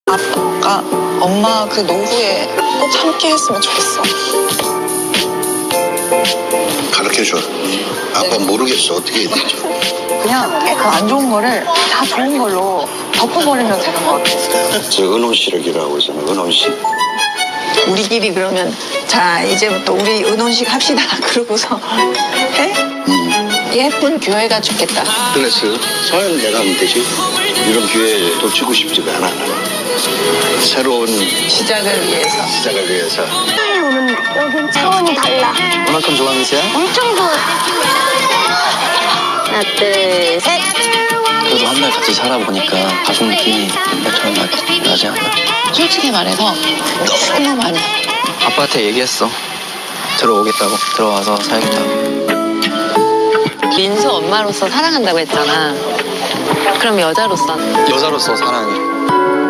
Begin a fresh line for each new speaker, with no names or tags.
아빠가 엄마 그 노후에 꼭 함께 했으면 좋겠어.
가르쳐줘. 아빠 모르겠어. 어떻게 해야 되죠?
그냥 그 안 좋은 거를 다 좋은 걸로 덮어버리면 되는 것 같아.
저 은혼식이라고 있잖아. 은혼식.
우리끼리 그러면 자 이제부터 우리 은혼식 합시다. 그러고서 해? 예쁜 교회가 좋겠다.
그래서 서연 내가 하면 되지. 이런 기회에 놓치고 싶지가 않아. 새로운
시작을 위해서.
시작을 위해서.
오는 날 여긴 차원이 달라.
얼마큼 좋아하는 세야?
엄청 좋아. 하나 둘 셋.
그래도 한 달 같이 살아보니까 가족 느낌이 옛날처럼 나지 않나?
솔직히 말해서 너무 많이.
아빠한테 얘기했어. 들어오겠다고. 들어와서 살겠다고.
민수 엄마로서 사랑한다고 했잖아. 그럼 여자로서
여자로서 사랑해.